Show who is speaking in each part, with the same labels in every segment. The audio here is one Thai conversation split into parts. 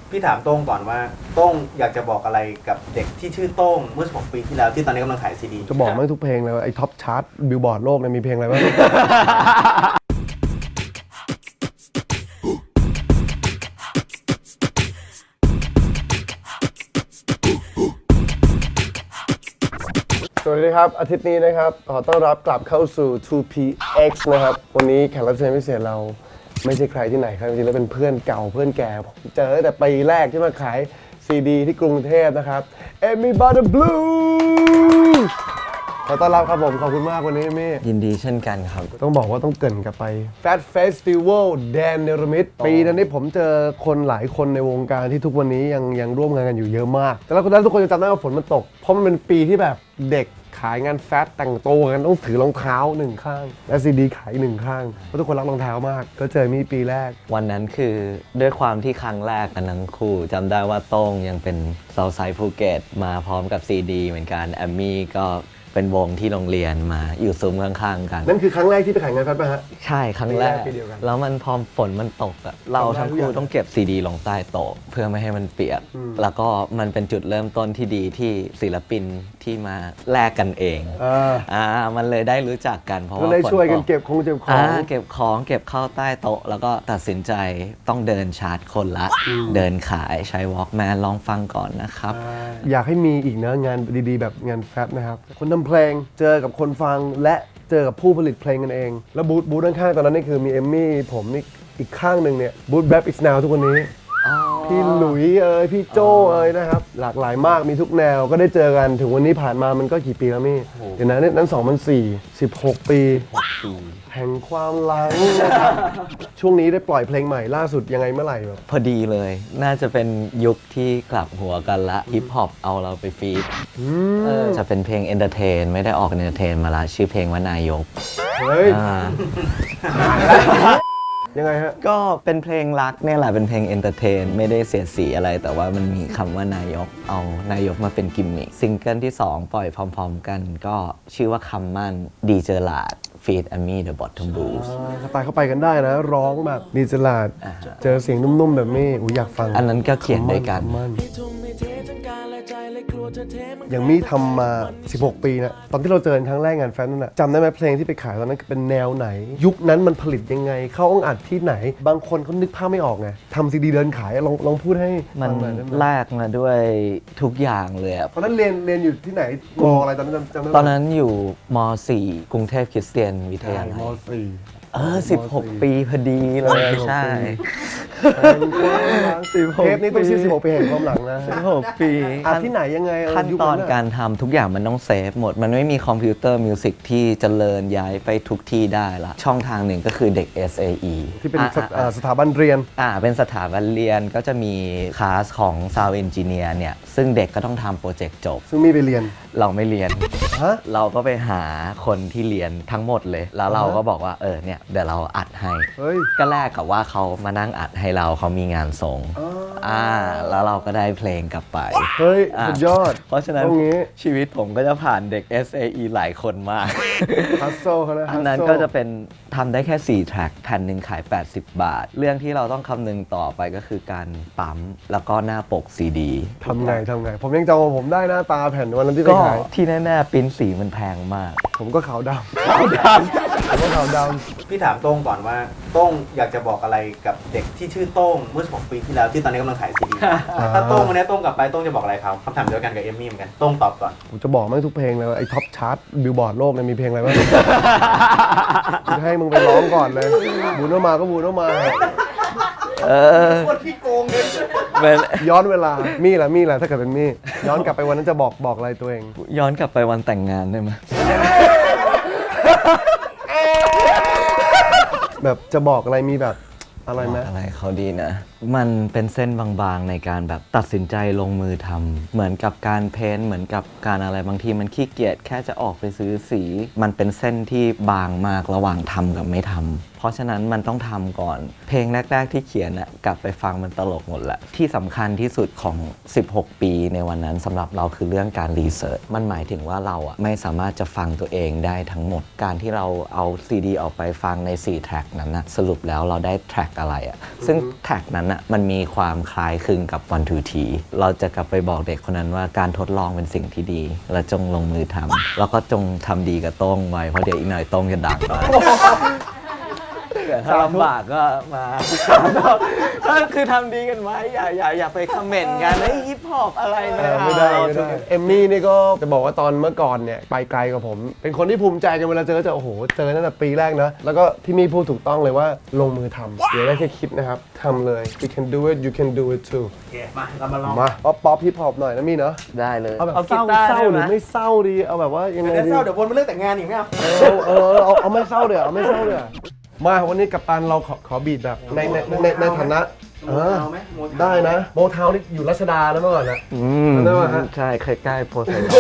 Speaker 1: พี่ถามโต้งก่อนว่าโต้งอยากจะบอกอะไรกับเด็กที่ชื่อโต้งเมื่อ16 ปีที่แล้วที่ตอนนี้กำลังขายซีดี
Speaker 2: จะบอกไม่ทุกเพลงเลยไอ้ท็อปชาร์ตบิลบอร์ดโลกเนี่ยมีเพลงอะไรบ้าง สวัสดีครับอาทิตย์นี้นะครับขอต้อนรับกลับเข้าสู่ 2PX นะครับวันนี้แขกรับเชิญพิเศษเราไม่ใช่ใครที่ไหนครับจริงๆแล้วเป็นเพื่อนเก่าเพื่อนแก่ผมเจอตั้งแต่ปีแรกที่มาขายซีดีที่กรุงเทพนะครับ Amy Butter Blue ขอต้อนรับครับผมขอบคุณมากวันนี้มี่
Speaker 3: ยินดีเช่นกันครับ
Speaker 2: ต้องบอกว่าต้องเกริ่นกลับไป Fat Festival แดนเนรมิตปีนั้นนี่ผมเจอคนหลายคนในวงการที่ทุกวันนี้ยังร่วมงานกันอยู่เยอะมาก แต่แล้วคนนั้นทุกคนจะจำได้ว่าฝนมันตก เพราะมันเป็นปีที่แบบเด็กขายงานแฟชั่นแต่งตัวกันต้องถือรองเท้าหนึ่งข้าง และซีดีขายหนึ่งข้างเพราะทุกคนรักรองเท้ามาก ก็เจอมีปีแรก
Speaker 3: วันนั้นคือด้วยความที่ครั้งแรกกันทั้งคู่จำได้ว่าโต้งยังเป็นเซาท์ไซด์ภูเก็ตมาพร้อมกับซีดีเหมือนกันแอมมี่ก็เป็นวงที่โรงเรียนมาอยู่ซุ้มข้างๆกัน
Speaker 2: นั่นคือครั้งแรกที่ไปขายงานแฟชั่นป่ะฮะ
Speaker 3: ใช่ครั้งแรก
Speaker 2: ปีเดียวกัน
Speaker 3: แล้วมันพอฝนมันตกอะเราทั้งคู่ต้องเก็บซีดีลงใต้โต๊ะเพื่อไม่ให้มันเปียก แล้วก็มันเป็นจุดเริ่มต้นที่ดีที่ศิลปินที่มาแลกกันเองมันเลยได้รู้จักกันเพราะ
Speaker 2: ก็
Speaker 3: ว่า
Speaker 2: เลย
Speaker 3: ฝน
Speaker 2: ช่วยกัน
Speaker 3: ตก
Speaker 2: เก็บของ
Speaker 3: เก็บของเก็บเข้าใต้โต๊ะ แล้วก็ตัดสินใจต้องเดินชาร์จคนละ เดินขายใช้ Walkman ลองฟังก่อนนะครับ
Speaker 2: อยากให้มีอีกนะงานดีๆ แบบงานแฟชั่นนะครับคนทำเพลงเจอกับคนฟังและเจอกับผู้ผลิตเพลงกันเอง แล้วบูธข้างๆตอนนั้นนี่คือมีเอมมี่ผมนี่อีกข้างหนึ่งเนี่ยบูธแบ It's Now ทุกวันนี้ พี่หลุยพี่โจนะครับหลากหลายมากมีทุกแนวก็ได้เจอกันถึงวันนี้ผ่านมามันก็กี่ปีแล้วมี่เดี๋ยวนั้น2004 16 ปีแห่งความหลังนะครับช่วงนี้ได้ปล่อยเพลงใหม่ล่าสุดยังไงเมื่อไหร่แบบ
Speaker 3: พอดีเลย น่าจะเป็นยุคที่กลับหัวกันละฮิปฮอปเอาเราไปฟีดจะเป็นเพลงเอนเตอร์เทนไม่ได้ออกเอนเตอร์เทนมาละชื่อเพลงว่านายก
Speaker 2: เฮ้ย
Speaker 3: อ่า
Speaker 2: ยังไงฮะ
Speaker 3: ก็เป็นเพลงรักเนี่ยแหละเป็นเพลงเอนเตอร์เทนไม่ได้เสียดสีอะไร แต่ว่ามันมีคำว่านายกเอานายกมาเป็นกิมมิคซิงเกิลที่ 2 ปล่อยพร้อมๆกัน ก็ชื่อว่าคำมั่นดีเจอร์ลาดฟีดแอมมี่เดอะบอททอมบลูส์
Speaker 2: สไตล์เข้าไปกันได้นะ ร้องแบบดีจลาด เจอเสียงนุ่มๆ แบบนี้อยากฟัง
Speaker 3: อันนั้นก็เขียนด้วยกัน
Speaker 2: อย่างมี่ทำมา 16 ปีนะตอนที่เราเจอกันครั้งแรกงานแฟนนั่นนะจำได้ไหมเพลงที่ไปขายตอนนั้นเป็นแนวไหน ยุคนั้นมันผลิตยังไง เข้าห้องอัดที่ไหน บางคนเขานึกภาพไม่ออกไงทำซีดีเดินขายลองพูดให้
Speaker 3: มัน
Speaker 2: ฟังหน่อยได้ไหม
Speaker 3: แลกมาด้วยทุกอย่างเลยอะ
Speaker 2: ตอนนั้นเรียนอยู่ที่ไหนมออะไรตอนนั้นจำได้ไหม
Speaker 3: ตอนนั้นอยู่ม .4 กรุงเทพคริสเตียนวิทยาลั
Speaker 2: ม
Speaker 3: ย
Speaker 2: สี่
Speaker 3: 16 ปีพอดีเลยใช่
Speaker 2: เทปนี้ต้องชื่อ16 ปีแห่งความหลังนะ
Speaker 3: 16 ปี
Speaker 2: อัดที่ไหนยังไง
Speaker 3: ขั้นตอน
Speaker 2: ยุคะ
Speaker 3: การทำทุกอย่างมันต้องเซฟหมด มันไม่มีคอมพิวเตอร์มิวสิกที่เจริญย้ายไปทุกที่ได้ละช่องทางหนึ่งก็คือเด็ก SAE
Speaker 2: ที่เป็นสถาบันเรียน
Speaker 3: เป็นสถาบันเรียนก็จะมีคลาสของ Sound Engineer เนี่ย ซึ่งเด็กก็ต้องทำโปรเจกต์จบ
Speaker 2: ซึ่งมีไปเรียน
Speaker 3: เราไม่เรียน
Speaker 2: ฮะ
Speaker 3: เราก็ไปหาคนที่เรียนทั้งหมดเลย แล้วเราก็บอกว่าเนี่ยเดี๋ยวเราอัดให้
Speaker 2: เฮ้ย
Speaker 3: ก็แลกกับว่าเขามานั่งอัดให้เราเขามีงานส่งแล้วเราก็ได้เพลงกลับไป
Speaker 2: เฮ้ยสุดยอด
Speaker 3: เพราะฉะนั้น
Speaker 2: ตรงนี้
Speaker 3: ชีวิตผมก็จะผ่านเด็ก SAE หลายคนมาก
Speaker 2: ฮัสโซเขาเลย
Speaker 3: อันนั้นก็จะเป็นทำได้แค่ 4 แทร็กแผ่นหนึ่งขาย 80 บาท เรื่องที่เราต้องคำนึงต่อไปก็คือการปั๊ม แล้วก็หน้าปกซีดี
Speaker 2: ทำไง ผมยังจำว่าผมได้หน้าตาแผ่นวันนั้นที่ไป
Speaker 3: ก็
Speaker 2: ขาย
Speaker 3: ที่แน่ๆปริ้นสีมันแพงมาก
Speaker 2: ผมก็ขาวดำผมก็ขาวด
Speaker 1: พี่ถามโต้งก่อนว่าโต้งอยากจะบอกอะไรกับเด็กที่ชื่อโต้งเมื่อ16 ปีที่แล้วที่ตอนนี้กำลังขายซีดี ถ้าโต้งวันนี้โต้งกลับไปโต้งจะบอกอะไรเขาคำถามเดียวกันกับเอมมี่เหมือนกันโต้งตอบก่อน
Speaker 2: ำผมจะบอกไม่งทุกเพลงเลยว่าไอ้ท็อปชาร์ตบิลบอร์ดโลกเนี่ยมีเพลงอะไรบ้าง จะให้มึงไปร้องก่อนเลยบูโนมาก็บูโนมา
Speaker 1: คนที่โกงเลย
Speaker 2: ย้อนเวลามี่ล่ะถ้าเกิดเป็นมี่ย้อนกลับไปวันนั้นจะบอกอะไรตัวเอง
Speaker 3: ย้อนกลับไปวันแต่งงานได้ไหม
Speaker 2: แบบจะบอกอะไรมีแบบอะไรไหม
Speaker 3: อะไรเขาดีนะ มันเป็นเส้นบางๆในการแบบตัดสินใจลงมือทำเหมือนกับการเพ้นท์เหมือนกับการอะไรบางทีมันขี้เกียจแค่จะออกไปซื้อสี มันเป็นเส้นที่บางมากระหว่างทำกับไม่ทำเพราะฉะนั้นมันต้องทำก่อน เพลงแรกๆที่เขียนน่ะกลับไปฟังมันตลกหมดแหละที่สำคัญที่สุดของ 16 ปีในวันนั้นสำหรับเราคือเรื่องการรีเสิร์ชมันหมายถึงว่าเราอ่ะไม่สามารถจะฟังตัวเองได้ทั้งหมดการที่เราเอาซีดีออกไปฟังใน4แทร็กนั้นนะสรุปแล้วเราได้แทร็กอะไรอ่ะซึ่งแทร็กนั้นอ่ะมันมีความคล้ายคลึงกับวันทูทีเราจะกลับไปบอกเด็กคนนั้นว่าการทดลองเป็นสิ่งที่ดี และจงลงมือทำแล้วก็จงทำดีกับโต้งไว้เพราะเดี๋ยวอีกหน่อยโต้งจะดังได้แต่ถ้าลำบากก็มาก็คือทำดีกันไว้อย่าไปคอมเมนต์กันไอ้ฮิปฮอปอะไรนะ
Speaker 2: ไม่ได้เอมมี่นี่ก็จะบอกว่าตอนเมื่อก่อนเนี่ยไปไกลกับผม เป็นคนที่ภูมิใจกันเวลาเจอโอ้โหเจอตั้งแต่ปีแรกนะแล้วก็ที่มี่พูดถูกต้องเลยว่าลงมือทำอย่าได้แค่คิดนะครับทำเลย you can do it you can do it too
Speaker 1: โอเคมาเรามาลอง
Speaker 2: มาป๊อปฮิปฮอปหน่อยนะมี่เนาะ
Speaker 3: ได้เลย
Speaker 2: เอาแบบ
Speaker 3: เอา
Speaker 2: เศ
Speaker 3: กี
Speaker 2: ร้า
Speaker 3: ตาร์
Speaker 2: เศร้า
Speaker 3: ได้
Speaker 2: ห
Speaker 3: ไห
Speaker 2: รื
Speaker 3: ม
Speaker 2: อไม่เศร้าดีเอาแบบว่ายังไง
Speaker 1: เดี๋ยว
Speaker 2: ดี
Speaker 1: เศร้าเดี๋ยววนมาเรื่องแต่งงานอีกไม่เอา
Speaker 2: เอาไม่เศร้าเดี๋ยวเอาไม่เศร้าเดี๋ยวมาวันนี้กัปตันเราขอบีดแบบในฐานะ
Speaker 1: โมทาวน์ไหมโมทาวน์
Speaker 2: ได้นะโมทาวน์นี่อยู่รัชดาแล้วเมื่อก่อนนะ
Speaker 3: ม
Speaker 2: ได้ไหมฮะ
Speaker 3: ใช่ใกล้ๆโพไซดอน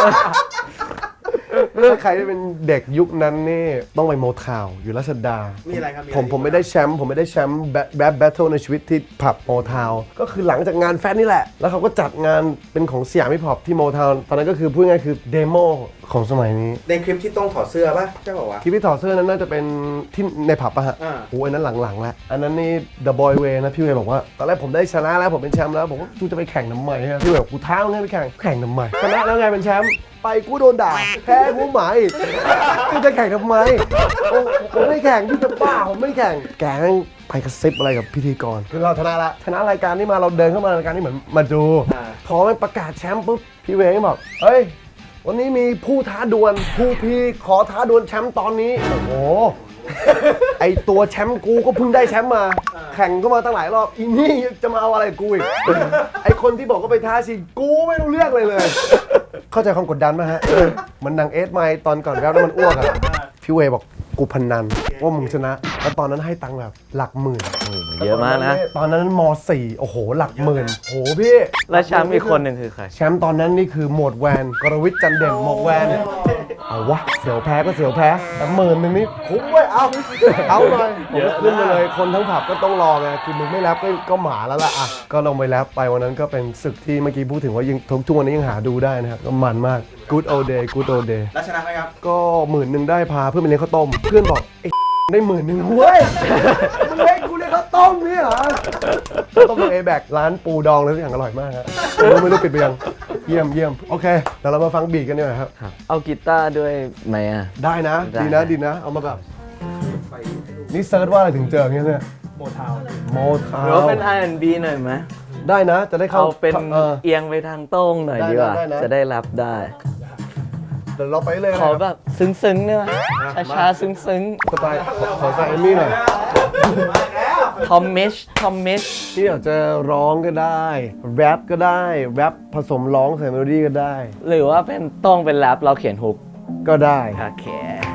Speaker 2: ถ้าใครที่เป็นเด็กยุคนั้นนี่ต้องไปโมทาวน์อยู่รัชดา
Speaker 1: มีอะไรครับ
Speaker 2: ผมไม่ได้แชมป์แบทเทิลในชีวิตที่ผับโมทาวน์ก็คือหลังจากงานแฟนนี่แหละ แล้วเขาก็จัดงานเป็นของสยามฮิปฮอปที่โมทาวน์ตอนนั้นก็คือพูดง่ายๆคือเดโมของสมัยนี้
Speaker 1: ในคลิปที่ต้องถอดเสื้อป่ะใช่ป่าววะ
Speaker 2: คลิปที่ถอดเสื้อนั้นน่าจะเป็นที่ในผับอะฮะ
Speaker 1: อ่า
Speaker 2: โอ้ยอันนั้นหลังๆแล้วอันนั้นนี่ The Boy Way นะพี่เวย์บอกว่าตอนแรกผมได้ชนะแล้วผมเป็นแชมป์แล้วผมก็กูจะไปแข่งทำไมฮะพี่เวย์บอกกูท้ามึงให้ไปแข่งทำไมชนะแล้วไงเป็นแชมป์ไปกูโดนด่าแพ้กูหมายกูจะแข่งทำไมผมไม่แข่งพี่จะบ้าผมไม่แข่งแกงไปกระซิบอะไรกับพิธีกรคือเราชนะละชนะรายการนี้มาเราเดินเข้ามารายการนี้เหมือนมาดูพอมันประกาศแชมป์ปุ๊บพี่เวย์ก็บอกเฮ้ยวันนี้มีผู้ท้าดวลผู้พี่ขอท้าดวลแชมป์ตอนนี้โอ้โห ไอตัวแชมป์กูก็เพิ่งได้แชมป์มา แข่งก็มาตั้งหลายรอบอีนี่จะมาเอาอะไรกูอีก ไอคนที่บอกก็ไปท้าชิงกูไม่รู้เรื่องเลย เข้าใจความกดดันไหมฮะ มันดังเอสไมตอนก่อนแล้วมันอ้วกอะพี่เวย์บอกกูพนันว่ามึงชนะแล้วตอนนั้นให้ตังค์แบบหลักหมื่น
Speaker 3: เยอะมากนะ
Speaker 2: ตอนนั้นม .4 โอ้โหหลักหมื่นโหพี่
Speaker 3: แล้วแชมป์อีกคนหนึ่งคือใคร
Speaker 2: แชมป์ตอนนั้นนี่คือหมวดแวนกรวิทย์จันเด่นหมวดแวนเอาวะเสียวแพ้ก็เสียวแพ้แต่หมื่นหนึ่งนี่คุ้มเว้ยเอาหน่อยผมก็ขึ้นไปเลยคนทั้งผับก็ต้องรอไงคือมึงไม่แรปก็หมาแล้วล่ะอ่ะก็ลงไปแรปไปวันนั้นก็เป็นศึกที่เมื่อกี้พูดถึงว่ายังทุกวันนี้ยังหาดูได้นะครับก็มันมาก good old day good old day
Speaker 1: แล้วชนะไหมครับ
Speaker 2: ก็10,000ได้พาเพื่อนไปเลี้ยงข้าวต้มเพื่อนบอกไอ้ได้10,000เว้ยมึงเลี้ยงกูเลี้ยงข้าวต้มนี่เหรอข้าวต้มของเอแบกร้านปูดองเลยทุกอย่างอร่อยมากครับไม่รู้ปิดไปยังเยี่ยมโอเคเดี๋ยวเรามาฟังบีทกันดีกว่าครับ
Speaker 3: เอากีตาร์ด้วยไหมอ่ะ
Speaker 2: ได้นะ
Speaker 3: ได้
Speaker 2: ดีนะเอามาแบบนี่เซิร์ชว่าอะไรถึงเจออย่างเงี้ยเนี่ย
Speaker 1: โมทาวน์
Speaker 2: โมทา
Speaker 3: หรือว่าเป็น R&B หน่อยไหม
Speaker 2: ได้นะจะได้เข้า
Speaker 3: เอาเป็น
Speaker 2: เออ
Speaker 3: เอียงไปทางโต้งหน่อยดีกว่า
Speaker 2: ได้นะ
Speaker 3: จะได้รับได้
Speaker 2: เดี๋ยวเราไปเลย
Speaker 3: ขอแบบซึ้งๆเนี่ยช้าๆซึ้ง
Speaker 2: สไตล์ขอสไตล์เอมมี่หน่อย
Speaker 3: ๆทอมมิช
Speaker 2: ที่อยากจะร้องก็ได้แรปก็ได้แรปผสมร้องใส่เมโลดี้ก็ได้
Speaker 3: หรือว่าเป็นโต้งเป็นแรปเราเขียนฮุก
Speaker 2: ก็ได้
Speaker 3: โอเค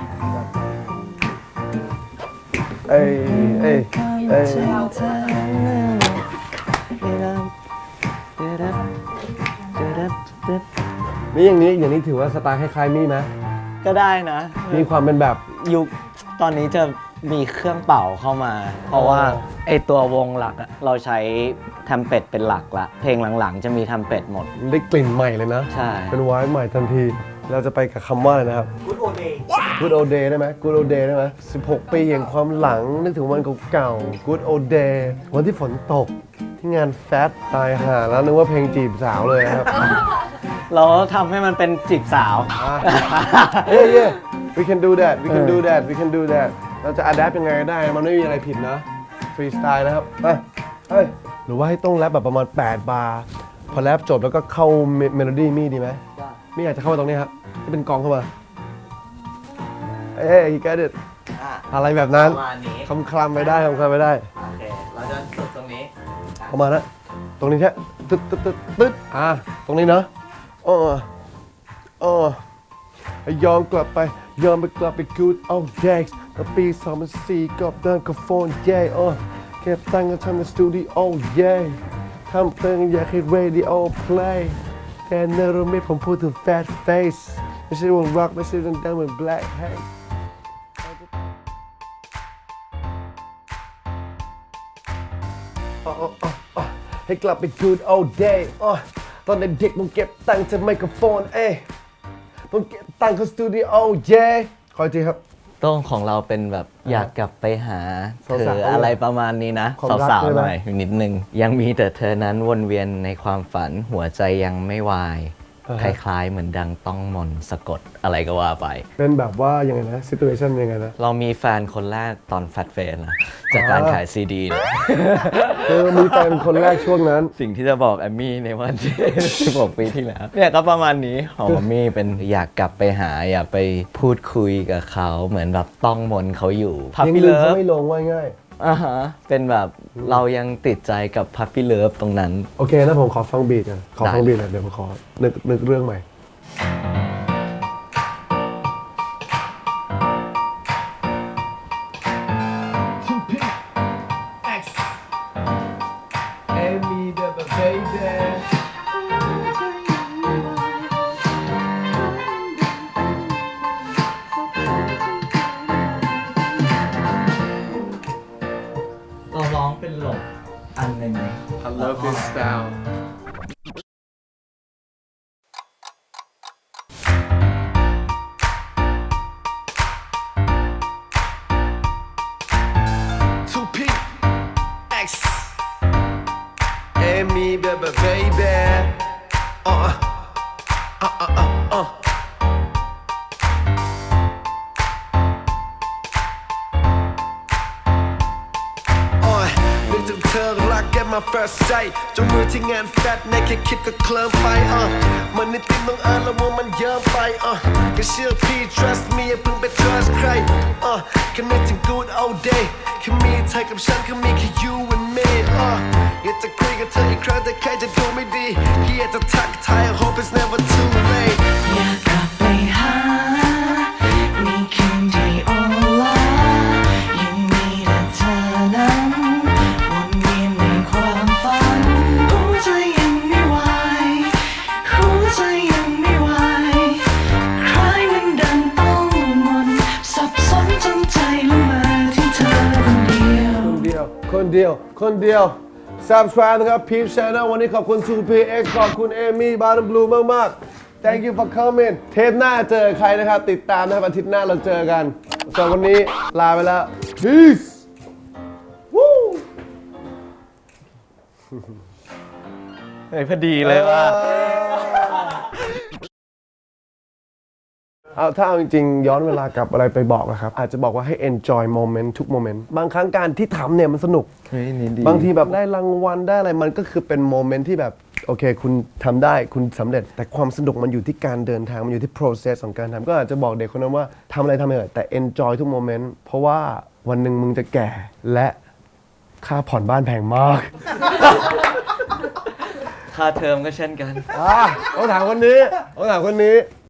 Speaker 2: เอ้ยนี่อย่างนี้ถือว่าสไตล์คล้ายๆมี่ไหม
Speaker 3: ก็ได้นะ
Speaker 2: มีความเป็นแบบ
Speaker 3: ยุคตอนนี้จะมีเครื่องเป่าเข้ามา เพราะว่าไอตัววงหลักอะเราใช้ทำเป็ดเป็นหลักละเพลงหลังๆ จะมีทำเป็ดหมด
Speaker 2: ได้กลิ่นใหม่เลยนะ
Speaker 3: ใช่
Speaker 2: เป็นไวน์ใหม่ทันที เราจะไปกับคำว่าอะไรนะครับ
Speaker 1: Good old day
Speaker 2: Good old day ได้ไหม Good old day ได้ไหม16 ปีแห่งความหลังนึกถึงวันเก่าๆ Good old day วันที่ฝนตกที่งานแฟตตายห่าแล้วนึกว่าเพลงจีบสาวเลยนะครับ
Speaker 3: เราทำให้มันเป็นจีบสาว
Speaker 2: yeah we can do that we can do that we can do that เราจะ adapt ยังไงก็ได้มันไม่มีอะไรผิดนะฟรีสไตล์นะครับไปเฮ้ยหรือว่าให้ต้องแรปแบบประมาณ8 บาร์พอแรปจบแล้วก็เข้าเมโลดี้มี่ดีไหมมี่อยากจะเข้ามาตรงนี้ครับที่เป็นกองเข้ามาเอ้ย you get it อะไรแบบนั้น
Speaker 3: ประมาณนี้
Speaker 2: คลำไปได้คลำไปได้
Speaker 3: โอเค เราจะฝึกตรงนี้
Speaker 2: เข้ามานะตรงนี้แค่ตึ๊ดตรงนี้เนาะยอมกลับไป good old days ตั้งปี2004กับเดินกับโฟนเย่เก็บตังค์กันทำในสตูดิโอเย่ทำเพลงอยากให้ radio play แต่เนรมิตผมพูดถึง fat face ไม่ใช่วง rock ไม่ใช่วงดังเหมือน black heyให้กลับไป good old day ตอนเด็กๆผมเก็บตังค์จากไมโครโฟนต้องเก็บตังค์เข้าสตูดิโอเย่ขออีกทีครับ
Speaker 3: โต้งของเราเป็นแบบอยากกลับไปหาเธ
Speaker 2: สาว
Speaker 3: อ
Speaker 2: ๆ
Speaker 3: อะไรประมาณนี้นะ
Speaker 2: ความรัก
Speaker 3: สาว
Speaker 2: ใช่
Speaker 3: ๆ
Speaker 2: ไหม
Speaker 3: หน่อยนิดนึง ยังมีแต่เธอนั้นวนเวียนในความฝันหัวใจยังไม่วาย คล้ายๆ เหมือนดังต้องมนต์สะกดอะไรก็ว่าไป
Speaker 2: เป็นแบบว่ายังไงนะ situation ยังไงนะ
Speaker 3: เรามีแฟนคนแรกตอนแฟตเฟนนะจากการขายซีดีเลย
Speaker 2: คือมีแฟนคนแรกช่วงนั้น
Speaker 3: สิ่งที่จะบอกแอมมี่ในวันที่ 16 ปีที่แล้ว เนี่ยก็ประมาณนี้ของแอมมี่เป็นอยากกลับไปหาอยากไปพูดคุยกับเขาเหมือนแบบต้องมนต์เขาอยู่พับ
Speaker 2: ยัง
Speaker 3: ปี้
Speaker 2: ลืม
Speaker 3: เลิ
Speaker 2: เขา
Speaker 3: ฟ
Speaker 2: ไม่ลงว่าง่าย
Speaker 3: เป็นแบบเรายังติดใจกับพับปี้เลิฟตรงนั้น
Speaker 2: โอเคนะผมขอฟังบีทกันขอฟัง
Speaker 3: ได้
Speaker 2: บีทหน่อยเดี๋ยวผมขอนึกเรื่องใหม่ Amy the baby
Speaker 3: เราร้องเป็นหลบอันหนึ่ง
Speaker 4: I love his style. Two P X Amy baby babyนึกถึงเธอรักแกมา first sight จนมือที่งานแฟตในแค่คิดก็เคลิ้มไปมันนิดติดต้องแล้วว่ามันเยอะไปก็เชื่อพี่ trust me อย่าเพิ่งไป trust ใครแค่นึกถึง good old day แค่มีเธอกับฉันแค่มีแค่ you and me อยากจะคุยกับเธออีกครั้งแต่ใครจะดูไม่ดีพี่อยากจะทักทาย I hope it's never too late
Speaker 5: อยากกลับไปหาในคืนที่โอลายังมีแต่เธอนั้นวนเวียนในความฝันหัวใจยังไม่ไหวหัวใจยังไม่ไหวใครมันดังต้องมนต์สับสนจนใจละเมอที่เธอคนเดียว
Speaker 2: คนเดียว subscribe นะครับ Peep Channel วันนี้ขอบคุณ 2PX ขอบคุณ Amy Bottom Blue มากๆ thank you for coming เทปหน้าเจอใครนะครับ ติดตามนะครับอาทิตย์หน้าเราเจอกันส่วนวันนี้ลาไปแล้ว peace วู้
Speaker 3: พอดีเลยว่า
Speaker 2: ถ้าเอาจริงๆย้อนเวลากลับอะไรไปบอกนะครับ อาจจะบอกว่าให้ enjoy moment ทุก moment บางครั้งการที่ทำเนี่ยมันสนุก
Speaker 3: เฮ้ยนี่ดี
Speaker 2: บางทีแบบได้รางวัลได้อะไรมันก็คือเป็นโมเมนต์ที่แบบโอเคคุณทำได้คุณสำเร็จ แต่ความสนุกมันอยู่ที่การเดินทาง มันอยู่ที่ process ของการทำก็อาจจะบอกเด็กคนนั้นว่าทำอะไรทำไปเถอะแต่ enjoy ทุกโมเมนต์เพราะว่าวันหนึ่งมึงจะแก่และค่าผ่อนบ้านแพงมาก
Speaker 3: ค่าเทอมก็เช่นกัน
Speaker 2: ต้องถามคนนี้